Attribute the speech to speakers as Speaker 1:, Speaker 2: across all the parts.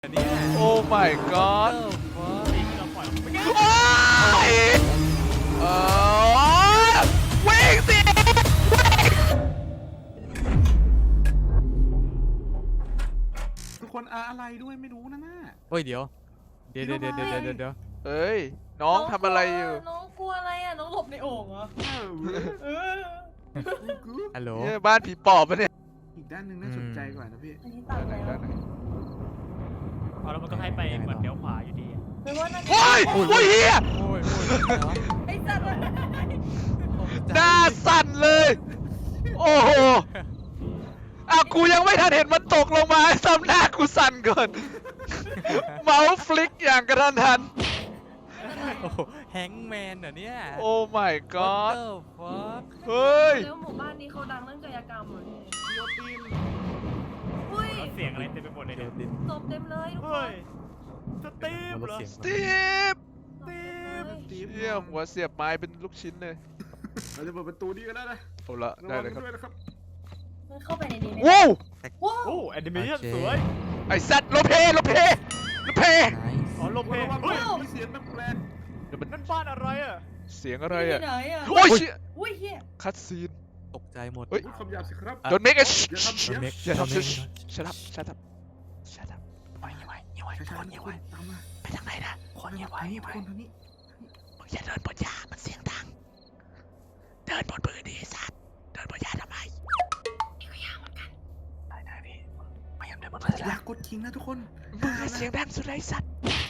Speaker 1: โอ้ my god วิ่งสิ
Speaker 2: ทุกคนอะไรด้วยไม่รู้นะน่า
Speaker 3: เฮ้ยเดี๋ยว
Speaker 1: เฮ้ยน้องทำอะไรอยู่
Speaker 4: น้องกลัวอะไรอ่ะน้องหลบในโอ่งเหรอ
Speaker 3: ฮัลโหล
Speaker 1: เนี่ยบ้านผีปอบปะเนี่ย
Speaker 2: อีกด้านหนึ่งน่าสนใจกว่านะพี่
Speaker 4: อันนี้ตัด
Speaker 1: ด้านไหน
Speaker 4: แล้ว
Speaker 1: ด้านไหน
Speaker 5: เอาแล้วมันก็ให้ไปเหมือนเลี้ยวขวาอยู่ดี
Speaker 4: ไม่ว่าน่าจะ
Speaker 1: โอ้ยโอ้ยเฮีย
Speaker 3: โอ้ย
Speaker 4: ไอ้สัตว์เลย
Speaker 1: หน้าสั่นเลย โอ้โหอ่ะกูยังไม่ทันเห็นมันตกลงมาซ้ำหน้ากูสั่นก่อน เมาส์ฟลิกอย่างกระทันหัน
Speaker 3: โอ้แฮงแมนเหรอเนี่ย
Speaker 1: โอ้ my god
Speaker 3: ฟัก
Speaker 1: เฮ้ย
Speaker 4: แล้วหมู่บ้านนี้เขาดังเรื่องกายกรรมเหรอพี่
Speaker 2: โยติน
Speaker 4: อุ้ย
Speaker 5: แล้วเสียงอะไรเต็มไปหมดเลย
Speaker 3: เดี๋
Speaker 5: เนี่ย
Speaker 3: วย ดิน
Speaker 4: ศพเต็มเลยทุกค
Speaker 5: เฮ้
Speaker 4: น
Speaker 5: ยสตีฟเหรอ
Speaker 3: เสียง
Speaker 1: สตีฟ
Speaker 4: ศพเต็มเลย
Speaker 2: ตีฟ
Speaker 1: เฮียหัวเสียบไม้เป็นลูกชิ้นเลย
Speaker 2: เราจะเปิดประตูนี้กันแล้วนะ
Speaker 1: เอาละ
Speaker 2: ระ
Speaker 1: ได้
Speaker 2: วัง
Speaker 1: เลยครับ
Speaker 2: ด้วยนะครับ
Speaker 4: มันเข้าไปในนี้ไหม
Speaker 1: ว้าว
Speaker 4: ว้าว
Speaker 5: โอ้แอนิเมชั่นสวย
Speaker 1: ไอสัตว์โลเพโลเพ
Speaker 5: อ๋อลมเพล
Speaker 2: ระวัง
Speaker 5: เฮ้ย
Speaker 2: มีเสียงแปลก
Speaker 5: นั่นบ้านอะไรอ่ะ
Speaker 1: เสียงอะไร
Speaker 4: ที่
Speaker 1: อ่ะ
Speaker 4: ไหนอ่ะ
Speaker 1: โอ้ยเชี่ย
Speaker 4: อุ้ยเฮีย
Speaker 1: คัดซีน
Speaker 3: ตกใจหมด
Speaker 1: เฮ้ย
Speaker 2: ๆคำหยาบสิครับ
Speaker 1: โดนเมกเอช
Speaker 2: อย่าทำเสียง
Speaker 3: เมก
Speaker 1: อย่าทำ
Speaker 3: เม
Speaker 1: ชิ
Speaker 3: ก
Speaker 1: ชัดอัพชัดอัพชัดอัพไว้
Speaker 2: ช้า
Speaker 1: คน
Speaker 2: ๆ
Speaker 1: เงียบ
Speaker 2: ค
Speaker 1: ไว้
Speaker 2: นตามมา
Speaker 1: ไปทางไหนนะคนเงียบไว้
Speaker 2: คนทางนี้
Speaker 1: มึงอย่าเดินบนหญ้ามันเสียงดังเดินบนพื้นดิสัตว์เดินบนหญ้าทำไมนี่ก็ยากเหมือนกันได้พี่พยายามเดินบนพื้น
Speaker 2: อยากกดทิ้งนะทุกคน
Speaker 1: มึงเสียงดังสุดเลยสัตว์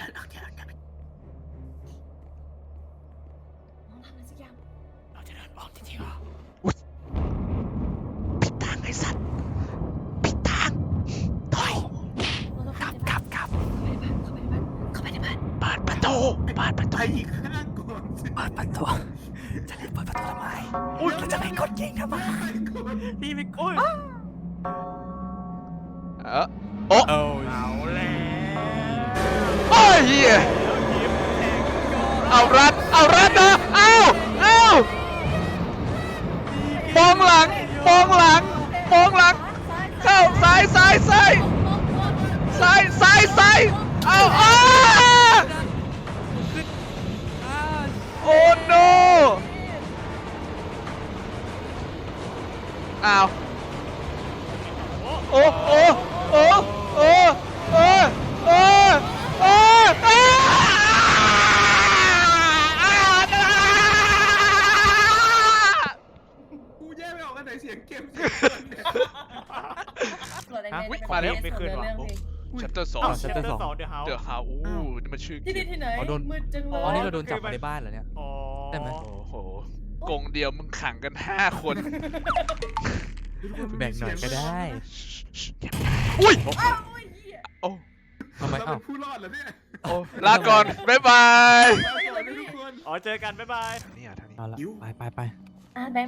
Speaker 4: น้องทำอะไรสักอย่าง
Speaker 1: เราจะเดินออกจริงๆเหรออุ๊ยผิดทางไอ้สัตว์ผิดทางถอย
Speaker 4: เราต้อง
Speaker 1: กลับ
Speaker 4: เข้าไปในบ้านเข้าไปในบ้าน
Speaker 1: เปิดประตูเปิดประ
Speaker 2: ไป
Speaker 1: ตู
Speaker 2: อีกข้างก่อนสิ
Speaker 1: เปิดประตูจะรีบเปิดประตูทำไมเราจะไปกดยิงทำไม
Speaker 5: นี่ไม่โอ้ย
Speaker 1: โอ้
Speaker 3: เอา
Speaker 5: เอาแล้ว
Speaker 1: โอ้ยเหี้ย
Speaker 5: แล้วยิ้มแทงก็
Speaker 1: เอารัดนะเอามองหลังเข้าซ้ายเอาโอ้ no อ้าวโอ้
Speaker 2: กูแยกไม่ออกกันไหนเสียงเกม
Speaker 4: ส่วนอะไรเนี่ย
Speaker 1: มาแล้ว
Speaker 4: ไม่ขึ้นหรอ
Speaker 1: ชัปเตอร์2
Speaker 5: เอ้าเชปเตอร์2เดี๋ยวเฮา
Speaker 1: เดือดขาวอู้นี่มันชื่อ
Speaker 4: ที่นี่ที่ไหนมืดจังเล
Speaker 3: อ๋อนี่
Speaker 4: ย
Speaker 3: เราโดนจับมาในบ้านเหรอเนี่ย
Speaker 5: อ๋อ
Speaker 3: ได้ไหม
Speaker 1: โอ้โหกงเดียวมึงขังกัน5 คน
Speaker 3: แบ่งหน่อยก็ได้
Speaker 1: อุ้ย
Speaker 4: อ้าวโอ้ยเหี้ย
Speaker 1: โอ้
Speaker 3: ทำไม
Speaker 2: เรา
Speaker 3: เอ้า
Speaker 2: เป็นผู้รอดเหรอเนี่ย
Speaker 1: โอ้ลาก่อน บ๊ายบาย
Speaker 2: เราสวัสดีทุกคน
Speaker 5: อ๋อเจอกันบ๊ายบาย
Speaker 1: นี่ทางนี้
Speaker 3: เอาละไป
Speaker 4: อ่ะแบงค์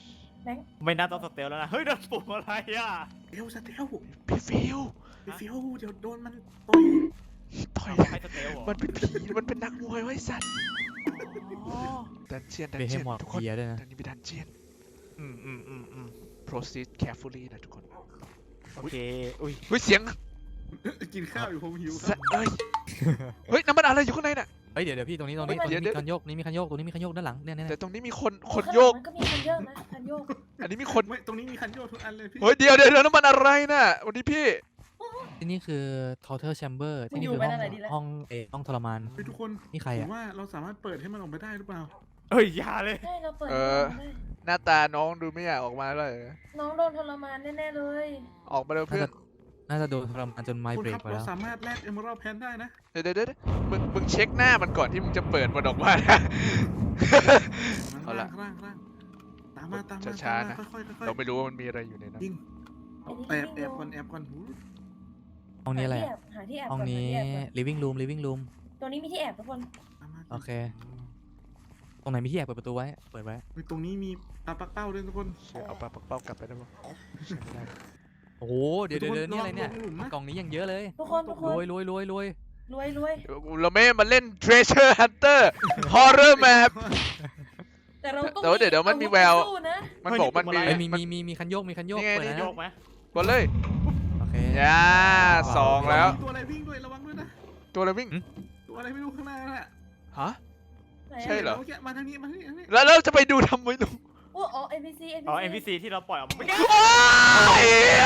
Speaker 5: ไม่น่าต้องสเตลแล้วนะ เฮ้ยเดินปุ่มอะไรอ่ะ
Speaker 2: เอลสเตล
Speaker 1: พี่ฟิว
Speaker 2: ไปฟิวเดี๋ยวโดนมันต่อย
Speaker 1: ต่อย
Speaker 5: ใครสเตลเหรอ
Speaker 1: มันเป็นผีมันเป็นนักมวยไว้สัตว์
Speaker 5: อ๋อ
Speaker 1: ดันเจียน
Speaker 3: เบเฮมอร์
Speaker 1: ทุกคน
Speaker 3: เบียด้วยนะ
Speaker 1: ทางนี้มีดันเจียน
Speaker 5: อืม
Speaker 1: proceed carefully นะทุกคน
Speaker 5: โอเค อุ้ย
Speaker 1: เฮ้ยเสียง
Speaker 2: กินข้าวอยู่ผมหิวค
Speaker 1: สะ
Speaker 2: รับ
Speaker 1: เฮ้ยน้ำมันอะไรอยู่ข้างในน่ะ
Speaker 3: เฮ้ยเดี๋ยวพี่ตรงนี้
Speaker 1: เดี๋ยว
Speaker 3: มีคันโยกนี่มีคันโยกตรงนี้มีคันโยกด้านหลังเนี่ย
Speaker 1: แต่ตรงนี้มีคน
Speaker 4: ข้างหลัง
Speaker 1: โยก
Speaker 4: มันก็มีคันโยกนะคันโยก
Speaker 1: อันนี้มีคน
Speaker 2: ไม่ตรงนี้มีคันโยกทุกอันเลยพี่
Speaker 1: เฮ้ยเดี๋ยวน้ำมันอะไรน่ะวันนี้พี่
Speaker 3: ที่นี่คือ torture chamber ที่นี่คือห้องทรมาน
Speaker 2: เฮ้ยทุกคน
Speaker 3: นี่ใคร
Speaker 2: ผ
Speaker 3: อะ
Speaker 2: มว่าเราสามารถเปิดให้มันออกมาได้หรือเปล่า
Speaker 5: เฮ้ยอย่าเลย
Speaker 4: ใช่เราเปิด
Speaker 1: หน้าตาน้องดูไม่อยากออกมาเลย
Speaker 4: น้องโดนทรมานแน่ๆเลย
Speaker 1: ออกมาเร็วเพื่อน
Speaker 3: น่าจะโดนทรมานจนไม
Speaker 2: คุณ
Speaker 3: เบร
Speaker 2: ค
Speaker 3: ก
Speaker 2: รับ
Speaker 3: ไป
Speaker 2: เรา
Speaker 3: แล้ว
Speaker 2: สามารถแลกเอเมอรัลแพนได้นะ
Speaker 1: เดี๋ยวมึงเช็คหน้ามันก่อนที่มึงจะเปิดมันออกมานะ เอาละ
Speaker 2: ร่างตามมา
Speaker 1: ช้าๆนะ
Speaker 2: ค่อยๆ
Speaker 1: เราไม่รู้ว่ามันมีอะไรอยู่ในนั้น
Speaker 2: ยิงแอบก่อนหู
Speaker 3: ห้องนี้อะไร
Speaker 4: หาที่แอบ
Speaker 3: ห้องนี้ living room
Speaker 4: ตรงนี้มีที่แอบทุกคน
Speaker 2: ตามมา
Speaker 3: โอเค ตรงไหนมีที่แอบเปิดประตูไว้ เปิดไว้
Speaker 2: ตรงนี้มีปลาปักเป้าด้วยทุกคน
Speaker 1: เอาปลาปักเป้ากลับไปได้ปะไม่ได้
Speaker 3: โอ้โหเดี๋ยวนี่อะไรเนี่ยกล่องนี้ยังเยอะเลย
Speaker 4: ทุกคน
Speaker 3: รวย
Speaker 4: รวย
Speaker 1: เราไม่มาเล่น Treasure Hunter Horror Map
Speaker 4: แต่เราต้อง
Speaker 1: เดี๋ยวมันมีแวว
Speaker 4: สู้นะ
Speaker 1: มันบอกมันมี
Speaker 3: เอ้ยมีคันโยก
Speaker 1: นี่ไง
Speaker 3: เปิด
Speaker 5: โย
Speaker 3: แล้ว
Speaker 5: กไหม
Speaker 1: กดเลย
Speaker 3: โอเค
Speaker 1: ย่า2แล้ว
Speaker 2: ตัวอะไรวิ่งด้วยระวังนะ
Speaker 1: ตัวอะไรวิ่ง
Speaker 2: ตัวอะไรไม่รู้ข้างหน้าน่ะ
Speaker 1: ฮะ
Speaker 4: ไหน
Speaker 1: ใช่เหรอ
Speaker 2: มื่กี้มาทางนี้มาทางนี้ทางนี้
Speaker 1: แล้วเราจะไปดูทำไมลูก
Speaker 4: โอ้อ๋อ NPC
Speaker 5: อ๋อ NPC ที่เราปล่อยออกมาเมื่อกี้
Speaker 1: ว้าย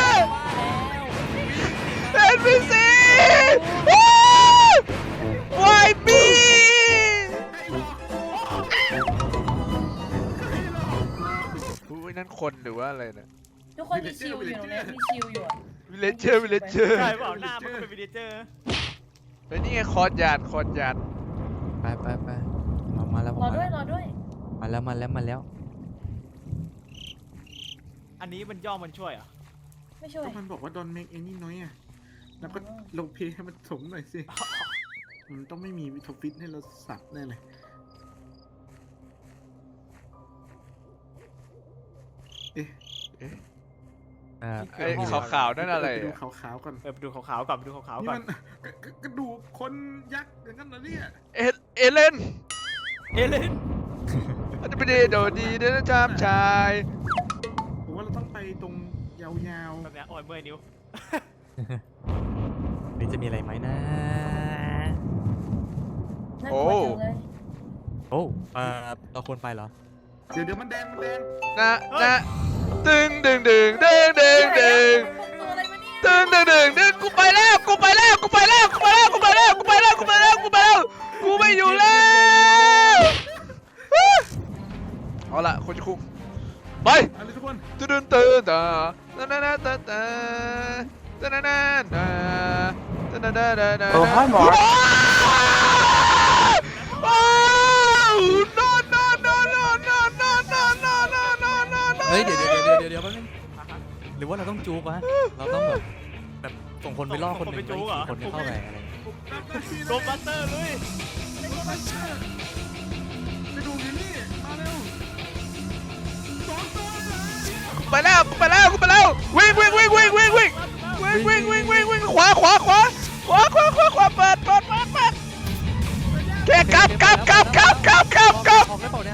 Speaker 1: เอ็นพีซีวายบี อุ้ยนั่นคนหรือว่าอะไรนะ
Speaker 4: ทุกคนมีชิลอยู่ตรงนี้มีชิลอยู่อะ
Speaker 1: วิลเลเจอร์วิลเลเจอร์
Speaker 5: ใช่เปล่าหน้ามันก็เป็นวิดีเจอร์
Speaker 1: เฮ้ยนี่ไงคอร์ดยานคอร์ดยาน
Speaker 3: ไปมาแล้ว
Speaker 4: รอด้วยรอด้วย
Speaker 3: มาแล้ว
Speaker 5: อันนี้มันย่อมันช่วยเหรอ่ะ
Speaker 4: ไม่ช่วย
Speaker 2: ก็มันบอกว่า don't make any noise อ่ะแล้วก็ลงเพลงให้มันสมหน่อยสิมันต้องไม่มีวิทฟิตให้เราสับแน่เลยเอ๊ะ
Speaker 1: ไอ้ขาวๆนั่นอะไร
Speaker 2: ไปดู
Speaker 1: อะ
Speaker 2: ขาวๆก่อน
Speaker 5: ไปดูขาวๆก่อนไปดูขาวๆ
Speaker 2: นี่
Speaker 5: ก่อ
Speaker 2: มัน นกระดูกคนยักษ์อย่างนั้นเหรอเนี่ย
Speaker 1: เอเลน
Speaker 5: เอเลน
Speaker 1: อันนี้ไม่ได้โดดดีเด้อจามชาย
Speaker 2: ผมว่าเราต้องไปตรงยาว
Speaker 5: แบบเนี้ยโอ้ยเมื่อยนิ้ว
Speaker 3: นี่จะมีอะไรไหมนะ
Speaker 4: น่ากลัวจังเลย
Speaker 3: โอ้เราควรไปเหรอ
Speaker 2: ๆเดี๋ยวมันแดง
Speaker 1: นะตึง
Speaker 4: ตัวอะไรมาเนี่ย
Speaker 1: ตึงกูไปแล้วกูไม่อยู่แล้วเอาละคนจะคุกไป
Speaker 2: อะไรทุกคน
Speaker 1: ตื่นตาโอ้ให้หมอ
Speaker 3: เฮ้ยเดี๋ยวแป๊บนึงหรือว่าเราต้องจูบวะเราต้องแบบส่งคนไปล่อคนหนึ่งไปขี่คนเข้าไปอะไร
Speaker 5: โรบัสเตอร์เลย
Speaker 2: ไปดูอยู่นี่มาเร็ว2 ตัวเลย
Speaker 1: ไปแล้ววิ่งขวาเปิดแค่กลับ
Speaker 3: ออกได้เปล่าเนี่ย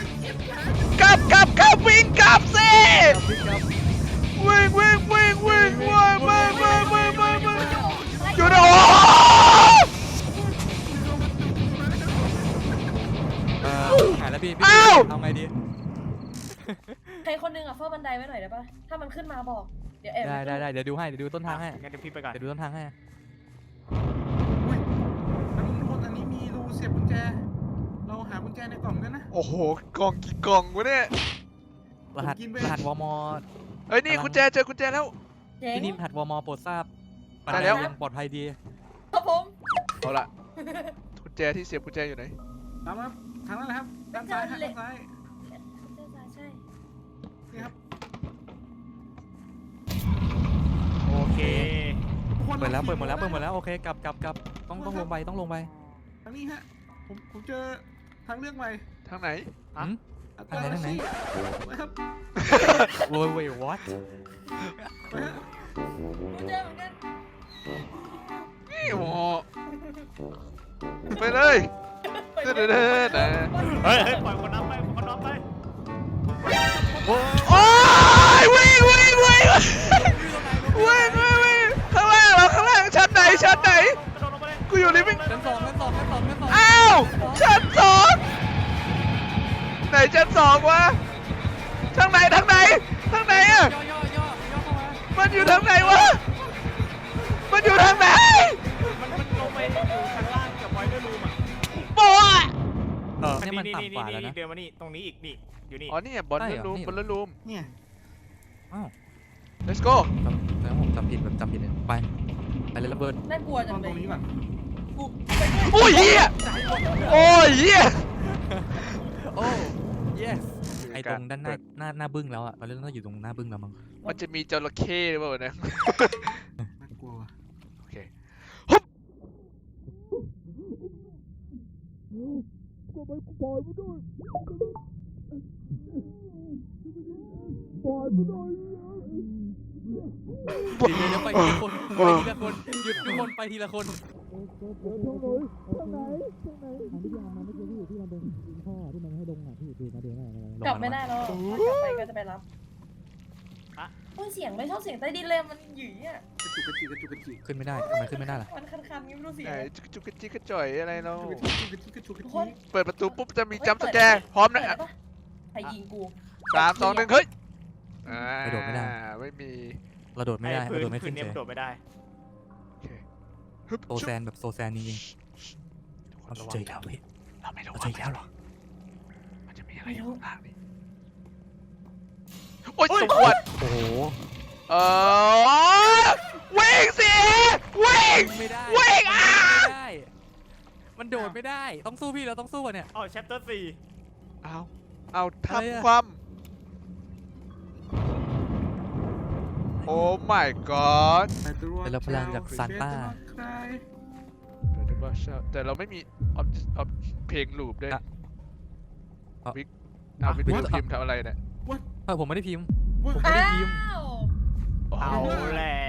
Speaker 1: วิ่งกลับสิวิ่งอยู่นะโอ้
Speaker 3: หายแล้วพี่
Speaker 1: อ้าว
Speaker 3: เอาไงดี
Speaker 4: ใครคนนึงอ่ะเฝ้าบันไดไว้หน่อยได้ปะถ้ามันขึ้นมาบอกเดี๋ยวแอบ
Speaker 3: ได้เดี๋ยวดูต้นทางให้
Speaker 5: งั้นเดี๋ยวพี่ไปก่อน
Speaker 3: เดี๋ยวดูต้นทางให้
Speaker 2: อุ้ยทุกคนอันนี้มีรูเสียบกุญแจเราหากุญแจในกล่องกันนะ
Speaker 1: โอ้โหกล่องกี่กล่องวะเนี่ย
Speaker 3: รหัสวม
Speaker 1: เฮ้ยนี่กุญแจเจอกุญแจแล้ว
Speaker 4: เจ๋ง
Speaker 3: ที่นี่รหัสวมโปรดทราบ
Speaker 1: ได้แล้ว
Speaker 3: ยังปลอดภัยดี
Speaker 4: ครับผม
Speaker 1: เอาละกุญแจที่เสียบกุญแจอยู่ไหน
Speaker 2: ตามมาทางนั้นนะครับด้านซ้ายฮะด้านซ้าย
Speaker 4: ใช่
Speaker 2: นี่ครับ
Speaker 5: โอเค
Speaker 2: ทุกคน
Speaker 3: เปิดหมดแล้วโอเคกลับต้องลงไป
Speaker 2: ทางนี้ฮะผมเจอทางเลือกใหม่
Speaker 1: ทางไหน
Speaker 5: ฮะ
Speaker 3: ทางไหน
Speaker 2: นะครับ
Speaker 3: โว้ย what
Speaker 2: ไปฮะ
Speaker 4: กูเจอเหมือนกัน
Speaker 1: นี่โอ้โหไปเลยเด้อ
Speaker 5: เฮ้ยปล่อยคนน้ำไป
Speaker 1: โอ้ยวิ่งข้างล่างชั้นไหน
Speaker 5: กระโดดลงไปเลย
Speaker 1: กูอยู่ลิฟวิ่ง
Speaker 3: ชั้นสอง
Speaker 1: อ้าวชั้น 2ไหนชั้น 2วะทางไหนอะ
Speaker 3: ย่อเข้ามา
Speaker 1: มันอยู่ทางไหนวะมันอยู่ทางไหน
Speaker 5: มันลงไปอยู่ชั้นล่างกับไวเดอร์รูมอ่ะ
Speaker 1: โป๊ะ
Speaker 3: นี่มันต่ำกว่าแล้วนะ
Speaker 5: เดินมานี่ตรงนี้อีกนี่อยู่นี่
Speaker 1: อ๋อนี่บอลลูนรูม
Speaker 2: เนี่ย
Speaker 3: อ้าว
Speaker 1: let's go
Speaker 3: แล้วผมจำผิดไปเลยระเบิด
Speaker 4: น่ากลัว
Speaker 2: ต
Speaker 4: จั
Speaker 2: อง น
Speaker 4: เล
Speaker 2: ตร
Speaker 4: ย
Speaker 2: งนี้ก่อน
Speaker 4: กู
Speaker 1: โอ้ยเหี้ยโอ้ยเหี้ย
Speaker 3: โอ้ yes ไอตรงด้านหน้าบึ้งแล้วอ่ะตอนนี้เราต้องอยู่ตรงหน้าบึ้งแล้วมั้ง
Speaker 1: มันจะมีจระเข้หรือเปล่าเนี่ย
Speaker 2: น่ากลัวว่ะ
Speaker 1: โอเค
Speaker 3: เดี๋ยวไปทีละคนหยุดทุกคนไปทีละคน
Speaker 4: กลับไม่ได้แล้วถ้ากลับไปก็จะไปรับโอ้ยเสียงไม่ชอบเสียงใต้ดินเลยมันหยิ่อ่ะ
Speaker 2: กระจุกกระจิกกระจุกกระจิก
Speaker 3: ขึ้นไม่ได้ทำไมขึ้นไม่ได้ล่ะ
Speaker 4: มันคันๆงี้ไม่รู้เสีย
Speaker 1: ไหน
Speaker 4: ง
Speaker 1: จุกกระจิกกระจ่อยอะไรเรา
Speaker 2: กระจุกกระจิกกระจุกกระ
Speaker 4: ทุก
Speaker 2: จิ
Speaker 4: คน
Speaker 2: ก
Speaker 1: เปิดประตูปุ๊บจะมีจัมป์สแกร์พร้อมนะ
Speaker 4: เปิดได้ปะใครยิงกู
Speaker 1: 3 2 1เฮ้ยไม่มี
Speaker 3: เราโดดไม่ได้
Speaker 5: พื้
Speaker 3: เรา
Speaker 5: น
Speaker 3: โดดไม่
Speaker 5: พื้
Speaker 3: ขึ้
Speaker 5: น
Speaker 3: น
Speaker 5: เนี่ย
Speaker 3: เฉย
Speaker 5: โดดไม่ได้
Speaker 1: โอเคฮึบ
Speaker 3: โซแซนแบบโซแซนจริง
Speaker 1: ทุกคน
Speaker 3: ๆเรา
Speaker 1: ระวั
Speaker 3: เจอง อีกแล้วพี่
Speaker 1: เราไม่รู้
Speaker 3: เราเจออีกแล้วเหรอ
Speaker 1: มันจะมีอะไรอยู่ข้างล่างนี่โอ๊ยสมควร
Speaker 3: โอ้โห
Speaker 1: วิ่งสิวิ่ง
Speaker 3: ไม่ได้
Speaker 1: วิ่ง
Speaker 3: ไม่ได้ มันโดดไม่ได้ต้องสู้พี่เราต้องสู้อะเนี่ย
Speaker 5: อ๋อ chapter 4
Speaker 1: เอา
Speaker 3: อะไรอะ
Speaker 1: ทำความโอ้ my god
Speaker 3: เป็นเราพลังจากซานต้า
Speaker 1: แต่เราไม่มีออบเพลงลูปด้วย
Speaker 3: อ่ะ
Speaker 1: วิกเอาวิก
Speaker 3: Victor
Speaker 1: พิมพ์ทำอะไรเนี่ย
Speaker 3: ผมไม่ได้พิมพ์
Speaker 2: ว่า
Speaker 3: ผมไม่ได้พิมพ์
Speaker 5: เอาแล้ว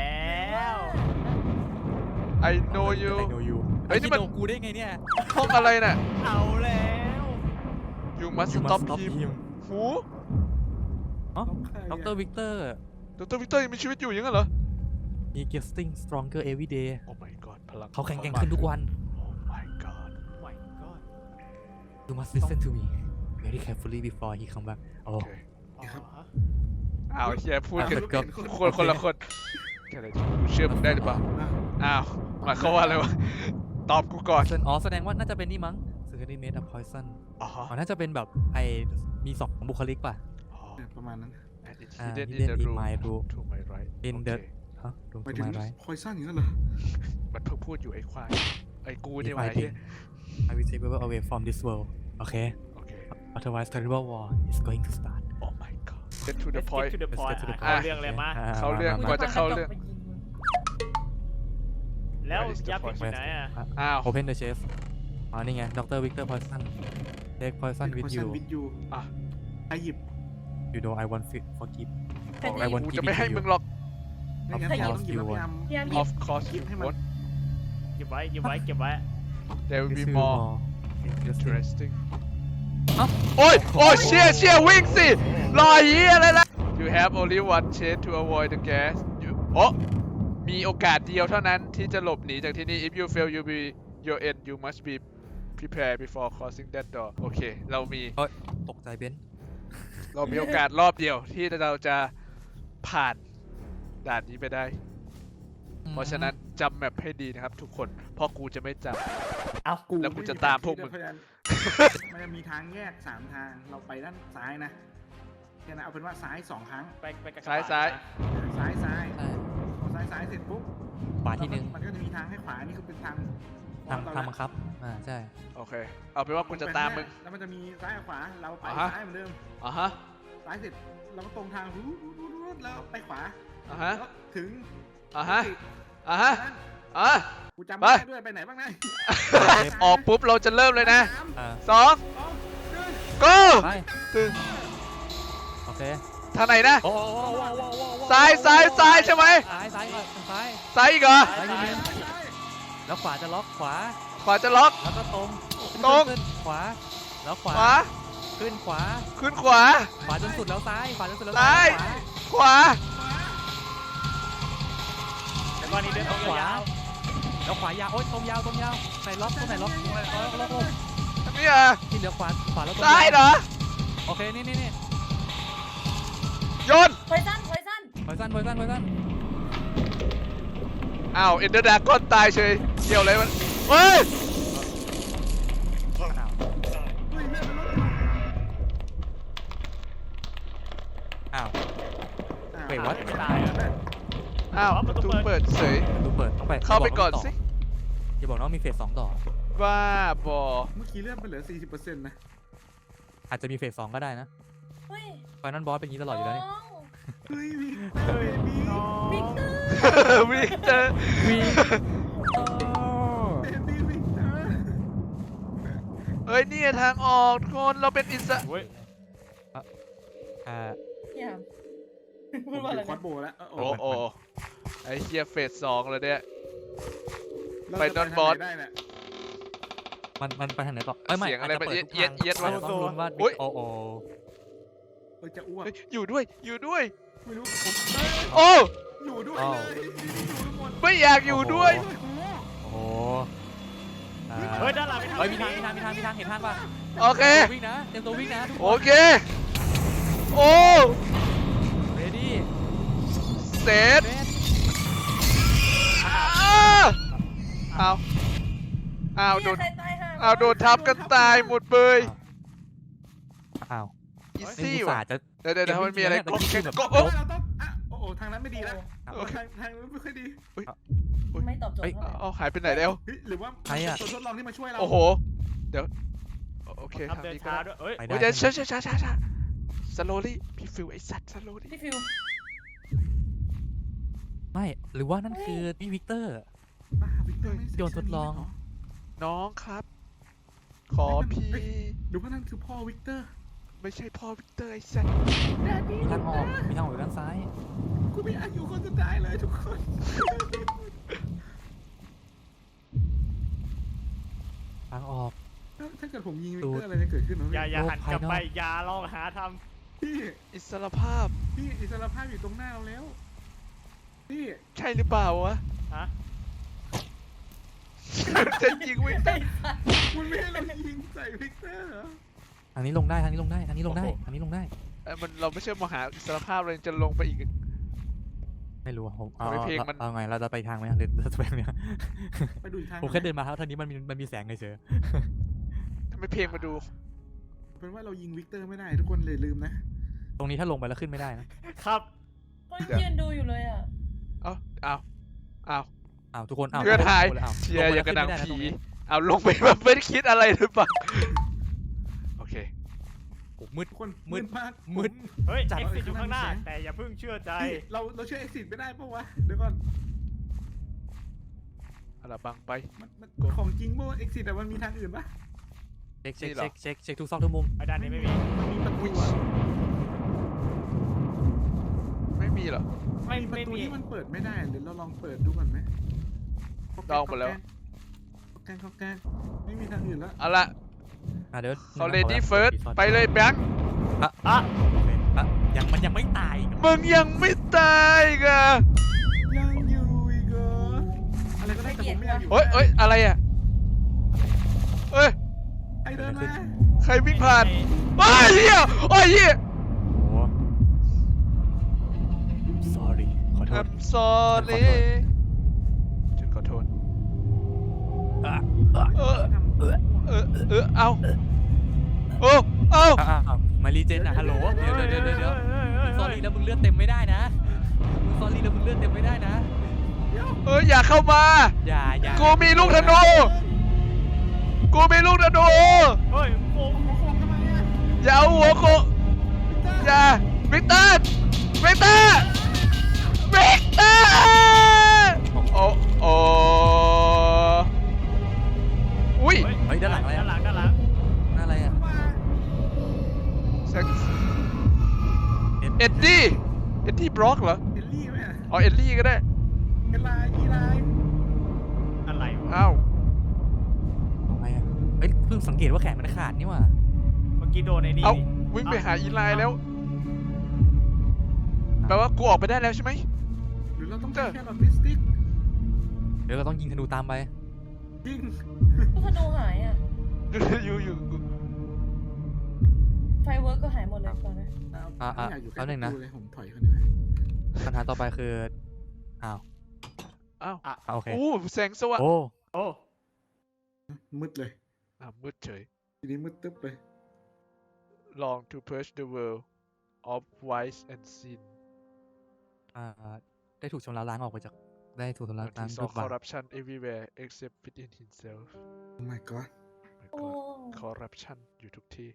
Speaker 1: I know you
Speaker 3: ไอโนยู
Speaker 1: เฮ้ยนี่มัน
Speaker 3: โนกูได้ไงเนี่ย
Speaker 1: ห้องอะไรน่ะ
Speaker 5: เอาแล้ว
Speaker 1: You must
Speaker 3: You must
Speaker 1: stop
Speaker 3: stop
Speaker 1: him
Speaker 3: him
Speaker 1: หู
Speaker 3: ดรวิกเตอร์
Speaker 1: ดรวิกเตอร์ยังมีชีวิตอยู่อยังงั้นเหรอ
Speaker 3: he getting stronger every day
Speaker 1: Oh my god พลัง
Speaker 3: เขาแข็งแกร่งขึ้นทุกวัน
Speaker 1: Oh my god
Speaker 5: my god
Speaker 3: you must listen to me very carefully before he come back โอ้
Speaker 1: โอเค
Speaker 5: อ๋อ
Speaker 1: อ้าวเฮียพูดกัน
Speaker 3: ก็
Speaker 1: คนละคนอะไรกูเชื่อมึงได้หรือเปล่าอ้าวหมายความว่าอะไรวะตอบกูก่อน
Speaker 3: อ๋อแสดงว่าน่าจะเป็นนี่มั้ง Secretary made a poison
Speaker 1: อ๋อ
Speaker 3: อ๋อน่าจะเป็นแบบมีสองบุคลิกป่ะ
Speaker 2: ประมาณนั้น
Speaker 1: And it's
Speaker 3: อ่า
Speaker 1: hidden in
Speaker 3: hidden
Speaker 1: the
Speaker 3: in
Speaker 1: room
Speaker 3: my room
Speaker 1: to my right
Speaker 3: in
Speaker 1: โอ
Speaker 3: the
Speaker 1: เค
Speaker 3: ฮะดู
Speaker 2: หมาย
Speaker 3: ทำ
Speaker 2: ถึง
Speaker 3: ไมไร
Speaker 2: พอยซันอย่างนั้นเหรอ
Speaker 1: มันเพิ่งพูดอยู่ไอ้ควายไอ้กูเนี่ย
Speaker 3: If
Speaker 1: วะ
Speaker 3: I
Speaker 1: ไอ้เหี้ย
Speaker 3: think I will take people away from this world okay
Speaker 1: โอเค
Speaker 3: otherwise terrible war is going to start
Speaker 1: Oh my god get to the
Speaker 5: Let's
Speaker 1: point
Speaker 5: get to the
Speaker 3: Let's
Speaker 5: point
Speaker 3: get to the
Speaker 5: เข้า
Speaker 3: point
Speaker 5: เรื่องเลยมา
Speaker 1: เข้าเรื่อง
Speaker 3: ม
Speaker 1: ก่อนจะเข้าเรื่อง
Speaker 5: แล้ว
Speaker 1: Where is the
Speaker 5: ยับ
Speaker 1: point?
Speaker 5: อยู่ไหนอ่ะ
Speaker 1: อ้าว
Speaker 3: Open the chest อ๋อนี่ไง Dr. Victor Poison take poison with you
Speaker 2: วิดยู
Speaker 1: อ่ะ
Speaker 2: ไอหยิบ
Speaker 3: you know I want forgive
Speaker 4: ใคร
Speaker 3: ไอ้
Speaker 4: ยิง
Speaker 3: วัน
Speaker 1: กูจะไม่ให้มึงหรอก
Speaker 2: ไม่งั้นเราต้องหยิบแล้วพยายาม
Speaker 4: พยายาม
Speaker 1: Of course you
Speaker 2: ให้มัน
Speaker 1: won't
Speaker 5: เก็บไว้เก็บไว้เก็บไว้
Speaker 1: There will be
Speaker 3: This will
Speaker 1: more
Speaker 3: interesting
Speaker 1: interesting
Speaker 3: เอ้า
Speaker 1: โอ้ยโอ้ยเชี่ยวิ่งสิรอเหี้ยอะไรล่ะ You have only one chance to avoid the gas โอ้มีโอกาสเดียวเท่านั้นที่จะหลบหนีจากที่นี่ If you fail you be your end you must be prepared before crossing that door โอเคเรามี
Speaker 3: ตกใจเบนซ์
Speaker 1: เรามีโอกาสรอบเดียวที่เราจะผ่านด่านนี้ไปได้ เพราะฉะนั้นจำแมปให้ดีนะครับทุกคน เพราะกูจะไม่จ
Speaker 5: เอา
Speaker 1: แล้วกูจะตามพวกมึง
Speaker 2: มันจะมีทางแยก3ทางเราไปด้านซ้ายนะแค่นั้นเอาเป็นว่าซ้าย2ครั้ง
Speaker 5: ไปกับ
Speaker 1: ซ้าย
Speaker 2: ซ้าย
Speaker 3: ใช่
Speaker 2: พอซ้ายเสร็จปุ๊บ
Speaker 3: ขวาที่หนึ่ง
Speaker 2: มันก็จะมีทางให้ขวานี่คือเป็นทาง
Speaker 3: ทางบังคับใช่
Speaker 1: โอเค เอาเป็นว่ากูจะตามมึง
Speaker 2: แล้วมันจะมีซ้ายกับขวาเราไป
Speaker 1: อ่าฮะ
Speaker 2: ซ้ายเหมือนเดิม
Speaker 1: อ่ะฮะ
Speaker 2: ซ้ายเสร็จเราก็ตรงทางแล้วไปขวา
Speaker 1: อ่ะฮะ
Speaker 2: แล้วถึง
Speaker 1: อ่ะฮะ อ่ะฮะ อ่ะ
Speaker 2: กูจำไม่ได้ด้วยไปไหนบ้างนะ
Speaker 1: ออกปุ๊บเราจะเริ่มเลยนะ
Speaker 2: สาม
Speaker 1: 2 go
Speaker 3: ไป
Speaker 1: ตึง
Speaker 3: โอเค
Speaker 1: ทางไหนนะ
Speaker 3: โอ้
Speaker 1: ซ้ายใช่ไหม
Speaker 3: ซ้ายก่อนซ้าย
Speaker 1: ซ้ายอีกเหรอ
Speaker 3: ซ้ายนิดนึงแล้วขวาจะล็อกขวา
Speaker 1: ขวาจะล็อก
Speaker 3: แล้วก็ตรง
Speaker 1: ตรง
Speaker 3: ขึ้นขวา แล้วขวา
Speaker 1: ขวา
Speaker 3: ขึ้นขวา
Speaker 1: ขึ้นขวา
Speaker 3: ขวาจนสุดแล้วซ้าย ขวาจนสุดแล้ว
Speaker 1: ซ้าย ขวา
Speaker 5: แล้วก็นี่เดินตรง
Speaker 3: ขวาย
Speaker 5: าว
Speaker 3: แล้วขวายาว โอ๊ยตรงยาวไหนล็อกตรงไหนล็อกล็อก
Speaker 1: อันนี้อ่ะ
Speaker 3: ที่เหลือขวาแล้วตรง
Speaker 1: ซ้ายเหรอ
Speaker 3: โอเค นี่
Speaker 1: โยน
Speaker 4: พอยซัน
Speaker 3: พอยสั้น
Speaker 1: อ้าวเอ็นเดอร์ดาก้อนตายเฉยเกี่ยวอะไรมันเฮ้ย
Speaker 3: อ้าว เวท what?
Speaker 5: ไม่ตายอ่ะ
Speaker 1: อ้าวประตูเปิดเฉย
Speaker 3: ดูเปิดต้องไป
Speaker 1: เข้าไปก่อนสิ
Speaker 3: อย่าบอกนะว่ามีเฟส2ต่อ
Speaker 1: บ้าบอ
Speaker 2: เมื่อกี้เลื่อนไปเหลือ 40%นะ
Speaker 3: อาจจะมีเฟส2ก็ได้นะ
Speaker 4: เฮ้ย
Speaker 3: ไฟนอลบอสเป็นอย่างนี้ตลอดอยู่แล้วนี่
Speaker 2: เฮ้ยวิกเตอร์เบบี้
Speaker 4: วิกเตอร์
Speaker 1: วิกเตอร์
Speaker 2: เบบี้วิกเตอร์
Speaker 1: เฮ้ยนี่ทางออกทุกคนเราเป็นอิสระ
Speaker 5: เว้ย
Speaker 4: พี่ยาม
Speaker 2: ผ
Speaker 4: พูด
Speaker 2: ม
Speaker 4: ว่าอะไร
Speaker 2: เป็นควอ
Speaker 4: นะ
Speaker 2: ดโบแล้ว
Speaker 1: โอ้โอ้ไอ้เฮียเฟส2แล้วเนี่ย
Speaker 2: เรา
Speaker 1: ไป
Speaker 2: จะ
Speaker 1: นอนบอส
Speaker 2: ทางไหได้เนี่ย
Speaker 3: มันไปทางไหนต่อไม่
Speaker 1: เสียงอะไร
Speaker 3: าจจะปิดทุก
Speaker 1: เอี๊ยด
Speaker 3: ทาง
Speaker 1: เอี๊ยด
Speaker 3: เราต้องลุ้นว่า
Speaker 1: อุ๊ย
Speaker 3: โอ้
Speaker 2: เฮ้ยจะอ้วก
Speaker 1: เฮ้ยอยู่ด้วย
Speaker 2: ไม่รู้ผม
Speaker 1: โอ้
Speaker 2: อยู่ด้วยเลยอยู่ทุกคน
Speaker 1: ไม่อยากอยู่ด้วย
Speaker 3: โอ้โหอ่า
Speaker 5: เฮ้ยด้านหลังไม่ทำ
Speaker 3: เฮ้ยมีทางเห็นทางป่ะ
Speaker 1: โอเค
Speaker 3: วิ่งนะเต็มตัววิ่งนะทุกค
Speaker 1: โอน เค โอ้
Speaker 3: เรดี้
Speaker 1: เสร็จอ้าวโดน
Speaker 4: ใครตายห่า
Speaker 1: อ้าวโดนทับกันตายหมดเลย
Speaker 3: อ้าว
Speaker 1: อี
Speaker 3: ไอ้
Speaker 1: ซี่
Speaker 3: อุต
Speaker 1: ว่ะ
Speaker 3: ส่าห์จะ
Speaker 1: เดี๋ยวมันมีอะไร
Speaker 3: แต่
Speaker 1: ก็
Speaker 3: จริงๆแบบ
Speaker 1: ก็
Speaker 2: โอ้เราต้องโอ้โหทางนั้นไม่ดีแล้ว
Speaker 1: โอเค
Speaker 2: ทางนั้นไม่ค่อยดี
Speaker 4: ไม่ตอบโจทย์เท่าไหร่
Speaker 1: เอาหายไปไหนแล้ว
Speaker 2: เฮ้ยหรือว่า
Speaker 3: ใครอะ
Speaker 2: ตัวทดลองที่มาช่วยเรา
Speaker 1: โอ้โห เดี๋ยว โอเค
Speaker 5: ทำเดินช้าด้วยเอ้ย
Speaker 3: ไปได้
Speaker 1: เดี๋ยว
Speaker 3: ใช่ไหม
Speaker 1: ช้าสโลลี่พี่ฟิวไอสัตว์สโลลี่
Speaker 4: พี่ฟิว
Speaker 3: ไม่หรือว่านั่นคือพี่วิกเตอร์
Speaker 2: บ้าวิกเตอร์ไม่เสร็จ
Speaker 3: โยนทดลอง
Speaker 1: น้องครับ ขอพี่
Speaker 2: หรือว่านั่นคือพ่อวิกเตอร์
Speaker 1: ไม่ใช่พ่อวิกเตอร์ไอสัตว์
Speaker 3: มีทางออกอยู่ด้านซ้าย
Speaker 2: กูไม่อยากอยู่คนสุดท้ายเลยทุกคน
Speaker 3: ทางออก
Speaker 2: ถ้าเกิดผมยิงวิกเตอร์อะไรจะเกิดขึ้นเหรอ
Speaker 5: อย่าหันกลับไป
Speaker 3: โลกภายนอก
Speaker 5: อย่าลองหาท
Speaker 2: พี่
Speaker 1: อิสรภาพ
Speaker 2: พี่อิสรภาพอยู่ตรงหน้าเราแล้วพี่
Speaker 1: ใช่หรือเปล่าวะ
Speaker 5: ำฮะ
Speaker 1: จะยิงวิกเตอร์
Speaker 2: คุณไม่ให้เรายิงใส่วิกเตอร์เหรอ
Speaker 3: ทางนี้ลงได้ทางนี้ลงได้
Speaker 1: มันเราไม่ใช่มาหาอิสรภาพเลยจะลงไปอีก
Speaker 3: ไม่รู้อะผมเอา
Speaker 1: ทำไมเพลงมัน
Speaker 3: เอาไงเราจะไปทางไหมหรือเราจะไปเนี่ย
Speaker 2: ไปดูอีกทาง
Speaker 3: ผมแค่เดินมาครับทางนี้มันมีแสงเฉย
Speaker 1: ทำไมเพลงมาดู
Speaker 2: เป็นว่าเรายิงวิกเตอร์ไม่ได้ทุกคนเลยลืมนะ
Speaker 3: ๆตรงนี้ถ้าลงไปแล้วขึ้นไม่ได้นะครับ
Speaker 4: ก็ยืนดูอยู่เลยอ่ะ
Speaker 1: เอา
Speaker 3: อ้าวทุกคนอ้าว
Speaker 1: เพื่อทาย
Speaker 3: ทุกคนอ้าว
Speaker 1: เชียร์อย่างกระดัง
Speaker 3: ลไปแล้วขึ้น
Speaker 1: ผี
Speaker 3: ไม่ได้นะตรงนี้
Speaker 1: เอาลงไปแบบไม่ได้คิดอะไรหรือเปล่า โอเค
Speaker 3: โอ้มืด
Speaker 2: ทุกคน
Speaker 3: มืด
Speaker 2: มาก
Speaker 3: มืด
Speaker 5: เฮ้ย
Speaker 3: จัด
Speaker 5: เอ็กซิสอยู่ข้างหน้า แต่อย่าเพิ่งเชื่อใจ
Speaker 2: พี่เราเชื่อ exit ไม่ได้ปะวะเดี๋ยวก่อน
Speaker 1: เอาละบังไป
Speaker 2: มันของจริงปะวะ exit แต่มันมีทางอื่นปะ
Speaker 3: เช็ค
Speaker 1: นี่เหรอ
Speaker 3: เช็คทุกซอกทุกมุม
Speaker 5: ไอ้ด้านนี้ไม่มี
Speaker 2: มันมีประตูอะ
Speaker 1: ไม่มีเหรอ
Speaker 5: ไม่
Speaker 2: มีประ
Speaker 5: ไม่
Speaker 2: ตู
Speaker 5: มี
Speaker 2: ที่มันเปิดไม่ได้หรือเราลองเปิดดูก่อนไหม
Speaker 1: ลองหมดแล้ว
Speaker 2: แกงไม่มีทางอื่นแล้ว
Speaker 1: เอาละ
Speaker 3: เดี๋ยว
Speaker 1: เขา lady first ไปเลยแบงค์
Speaker 5: อ่ะ
Speaker 3: โอเคอ่ะมันยังไม่ตายอีกเหรอ
Speaker 1: มึงยังไม่ตายอีกอ่ะ
Speaker 2: ยังอยู่อีกเหรออะไรก็ได้แต่ผมไม่อยากอยู่
Speaker 1: เฮ้ยอะไรอ่ะเอ้ย
Speaker 2: ไอเดินมา
Speaker 1: ใครวิ่งผ่านไอ้เหี้ยโอ้ยเหี้ย
Speaker 3: โอ้ sorry ขอโทษ
Speaker 1: I'm sorry ฉันขอโทษ
Speaker 3: อ่ะ
Speaker 1: เออ
Speaker 2: ทำ
Speaker 1: เอาเอา
Speaker 3: มารีเจนอะฮัลโหลเดี๋ยวซอรี่แล้วมึงเลือดเต็มไม่ได้นะมึงซอรี่แล้วมึงเลือดเต็มไม่ได้นะ
Speaker 1: อย่าเข้ามา
Speaker 3: อย่า
Speaker 1: กูมีลูกธนู กูมีลูกธนู
Speaker 5: เฮ้ยโอ้โห
Speaker 2: โค้งทำไมอะ
Speaker 1: อย่าเอาหัวโคอย่าวิกเตอร์วิกเตอร์วิกเตอร์โอ้อุ้ย
Speaker 3: เฮ้ยด้านหลังอะไร
Speaker 5: ด้า
Speaker 3: อะ
Speaker 5: นหลังด้านหลัง
Speaker 3: นั่นอะไรอะ
Speaker 2: มา
Speaker 1: เอ็ดดี้บล็อกเหรอ
Speaker 2: เอลลี่ไหมอะ
Speaker 1: อ๋อเอ็ดลี่ก็ได้
Speaker 2: เอลไลอีไล
Speaker 5: อะไรวะ
Speaker 1: อ้าว
Speaker 3: อะไรอะเฮ้ยเพิ่งสังเกตว่าแขนมันขาดนี่หว่า
Speaker 5: เมื่อกี้โดนไอ้นี่
Speaker 1: เอาวิ่งไปหาอีไลน์แล้วแปลว่ากูออกไปได้แล้วใช่ไหม
Speaker 2: หรือเราต้องใช้แค่ลอจิสติก
Speaker 3: เดี๋ยวเราต้องยิงธนูตามไป
Speaker 2: ยิง
Speaker 4: ลูกธนูหายอ่ะ
Speaker 1: อยู่
Speaker 4: ไฟเวิร์กก็หายหมดเลยตอนนี้
Speaker 2: ไม่อยากอยู่ใกล้
Speaker 3: แป๊บนึงนะ
Speaker 2: ประตูเลยผมถอยเขาดีกว่า
Speaker 3: ปัญหาต่อไปคืออ้าว
Speaker 1: อ้าว
Speaker 3: โอเค
Speaker 1: โอ้แสงสว่าง
Speaker 3: โอ้
Speaker 5: โอ้
Speaker 2: มืดเลย
Speaker 1: มืดเฉย
Speaker 2: ทีนี้มืดตึ๊บเลย
Speaker 1: Long to purge the world of vice and sin
Speaker 3: ได้ถูกชำระล้างออกไปจากได้ถูกชำระ
Speaker 1: and
Speaker 3: ล้าง
Speaker 1: he
Speaker 3: ด้ว
Speaker 1: saw
Speaker 3: ยบาป
Speaker 1: corruption everywhere except within himself
Speaker 2: Oh my god
Speaker 1: My
Speaker 4: โอ้
Speaker 1: God corruption อยู่ทุกที่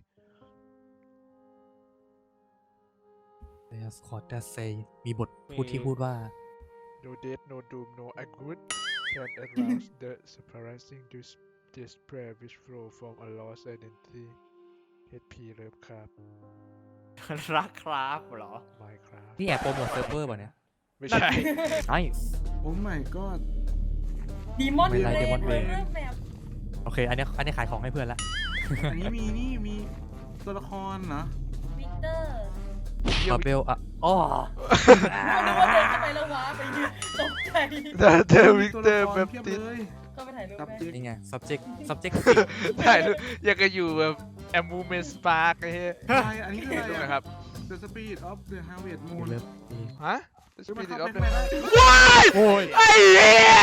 Speaker 3: There's God that say มีบทพูดที่พูดว่า
Speaker 1: No death no doom no good can arouse the surprising despair which flow from a lost identity HP เริ่มครับ
Speaker 5: รักครับเหรอ
Speaker 1: Minecraft
Speaker 3: นี่แอบโปรโมทเซิร์ฟเวอร์ป่ะเนี่ย
Speaker 1: ไม่ใช่
Speaker 3: Nice
Speaker 2: Oh my god
Speaker 4: ดีมอน
Speaker 3: ไม่
Speaker 4: เบ
Speaker 3: ไร
Speaker 4: ร
Speaker 3: Demon
Speaker 4: น
Speaker 3: Brain
Speaker 4: เรื่องแบบ
Speaker 3: โอเค อันนี้ขายของให้เพื่อนละ
Speaker 2: อันนี้มีตัวละครเหรอ
Speaker 4: วิกเตอร์
Speaker 3: บาเบลอะอ๋อ
Speaker 4: นึกว่าเดินเข้าไปแล้วว้าไปยืนตกใจ
Speaker 1: เจอวิกเตอร์แบบ
Speaker 2: เพียบ
Speaker 1: ติด
Speaker 2: เลย
Speaker 4: ก็ไปถ่ายรูป
Speaker 2: ตับ
Speaker 4: ไหม
Speaker 2: จิก
Speaker 3: นี่ไง subject
Speaker 1: ถ่ายรูปอยากจะอยู่แบบแอมมูเมนต์ปาร์กไอ้เหี้ย
Speaker 2: ใช่อันนี้คืออะไร
Speaker 1: ดู
Speaker 2: อะ
Speaker 1: นะครับ
Speaker 2: The Spirit of the Harvest Moon
Speaker 3: เลิฟ
Speaker 1: ฮะ
Speaker 2: คือมัน
Speaker 1: Spirit
Speaker 2: เข้า
Speaker 1: of
Speaker 2: ไป
Speaker 1: the
Speaker 2: ได้
Speaker 1: ว้าย
Speaker 3: โอ้ย
Speaker 1: ไอ้เหี้ย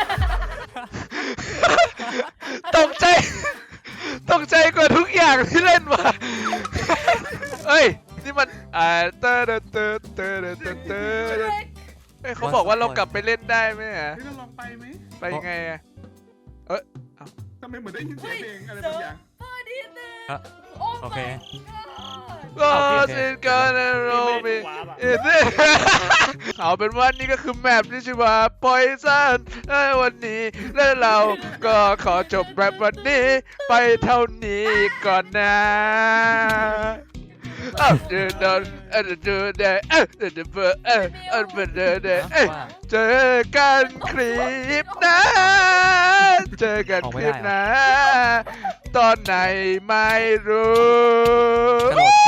Speaker 1: ตกใจ ตกใจกว่าทุกอย่างที่เล่นมา เอ้ย นี่มันเตอร์เตอร์เตอร์เตอร์เตอร์เตอร์เอ้ยเขาบอกว่าเรากลับไปเล่นได้ไหมฮะ
Speaker 2: เฮ้ยเราลองไปไหม
Speaker 1: ไปไงอะ
Speaker 2: ทำไมเหมือนได้ยินเสียงเพลงอะไรบางอย่าง
Speaker 4: พอดีเลย
Speaker 3: อ่ะ
Speaker 4: โอ้
Speaker 3: โอเค
Speaker 1: ก็สินกันโรบิเอาเป็นว่านี่ก็คือแมปที่ชื่อว่า Poison วันนี้และเราก็ขอจบแรปวันนี้ไปเท่านี้ก่อนนะเดินเดินเดินเดินเจอกันคลิปนะ เจอกันคลิปนะ ตอนไหนไม่รู้
Speaker 3: กระโดด